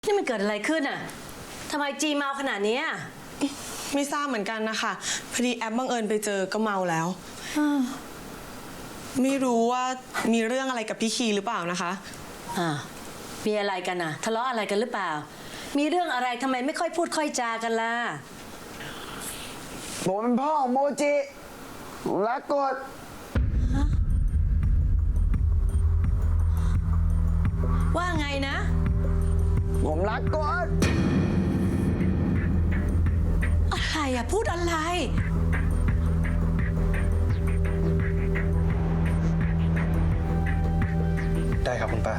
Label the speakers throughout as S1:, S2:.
S1: นี่มันเกิดอะไรขึ้นอ่ะทำไมจีเมาขนาดนี้
S2: ไม่ทราบเหมือนกันนะคะพอดีแอปบังเอิญไปเจอก็เมาแล้วไม่รู้ว่ามีเรื่องอะไรกับพี่คีหรือเปล่านะคะ
S1: มีอะไรกันน่ะทะเลาะอะไรกันหรือเปล่ามีเรื่องอะไรทำไมไม่ค่อยพูดค่อยจากันล่ะ
S3: ผมเป็นพ่อของโมจิและกด
S1: ว่าไงนะ
S3: ผมรักกด
S1: อะไรอะพูดอะไร
S4: ได้ครับคุณป้า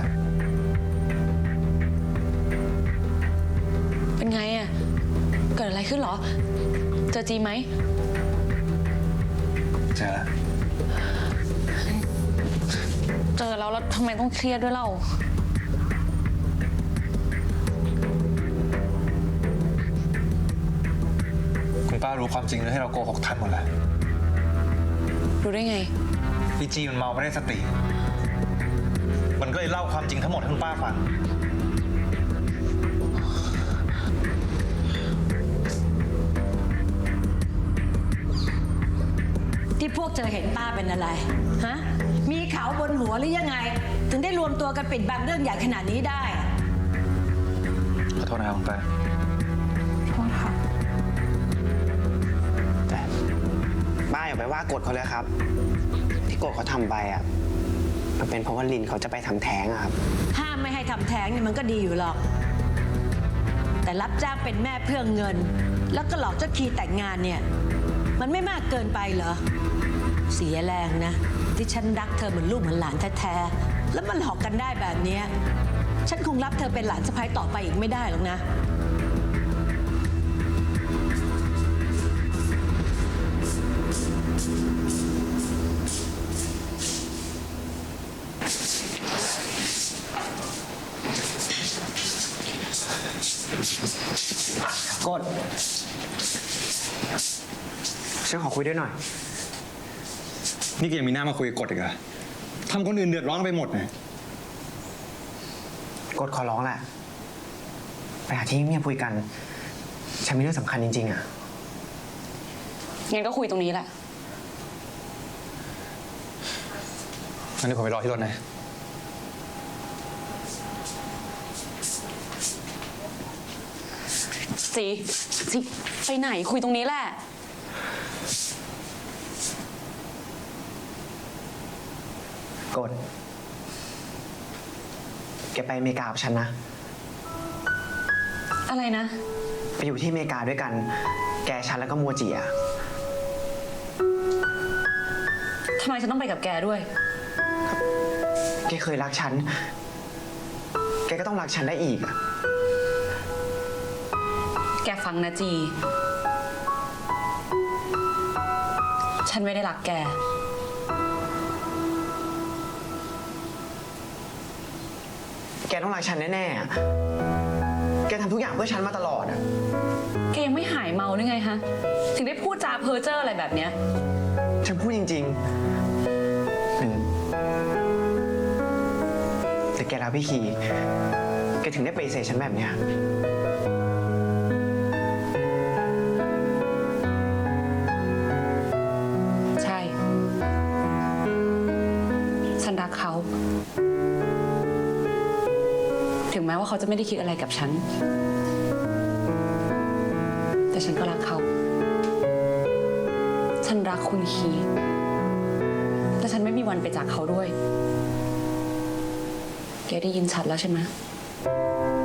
S5: เป็นไงอะเกิดอะไรขึ้นเหรอเจอจีไหม
S4: เจอแล้ว
S5: แล้วทำไมต้องเครียดด้วยเล่า
S4: คุณป้ารู้ความจริงเลยให้เราโกหกท่านหมดแล้ว
S5: รู้ได้ไง
S4: พี่จีมันเมาไม่ได้สติมันก็เลยเล่าความจริงทั้งหมดให้คุณป้าฟัง
S1: ที่พวกเธอเห็นป้าเป็นอะไรฮะมีเขาบนหัวหรือยังไงถึงได้รวมตัวกันปิดบังเรื่องใหญ่ขนาดนี้ได้
S4: ขอโทษนะครับคุณป้า
S5: โทษค่ะ
S3: แต่ป้าอย่าไปว่ากดเขาเลยครับที่กดเขาทำไปอ่ะมันเป็นเพราะว่าลินเขาจะไปทำแท้งอะครับ
S1: ห้ามไม่ให้ทำแท้งเนี่ยมันก็ดีอยู่หรอกแต่รับจ้างเป็นแม่เพื่อเงินแล้วก็หลอกเจ้าคีแต่งงานเนี่ยมันไม่มากเกินไปเหรอเสียแรงนะที่ฉันรักเธอเหมือนลูกเหมือนหลานแท้ๆแล้วมันหลอกกันได้แบบนี้ฉันคงรับเธอเป็นหลานสะใภ้ต่อไปอีกไม่ได้หรอกนะ
S3: กดฉันขอคุยด้วยหน่อย
S4: นี่ก็ยังมีหน้ามาคุยกับกฎอีกเหรอทำคนอื่นเดือดร้อนไปหมดเลย
S3: กดขอร้องแหละไปหาที่เงียบคุยกันฉันมีเรื่องสำคัญจริงๆอ่ะ
S5: งั้นก็คุยตรงนี้แหละ
S4: งั้นเดี๋ยวผมไปรอที่รถนะ
S5: สิไปไหนคุยตรงนี้แหละ
S3: กดแกไปอเมริกากับฉันนะ
S5: อะไรนะ
S3: ไปอยู่ที่อเมริกาด้วยกันแกฉันแล้วก็โมจิอ่ะ
S5: ทำไมฉันต้องไปกับแกด้วย
S3: แกเคยรักฉันแกก็ต้องรักฉันได้อีกอ่ะ
S5: แกฟังนะจีฉันไม่ได้รักแก
S3: แกต้องรักฉันแน่ๆแกทำทุกอย่างเพื่อฉันมาตลอดอ่ะ
S5: แกยังไม่หายเมาหรือไงฮะถึงได้พูดจาเพ้อเจ้ออะไรแบบเนี้ย
S3: ฉันพูดจริงๆแต่แกรักพี่คีแกถึงได้ปฏิเสธฉันแบบเนี้ย
S5: ใช่ฉันรักเขาถึงแม้ว่าเขาจะไม่ได้คิดอะไรกับฉันแต่ฉันก็รักเขาฉันรักคุณคีแต่ฉันไม่มีวันไปจากเขาด้วยแกได้ยินชัดแล้วใช่ไหม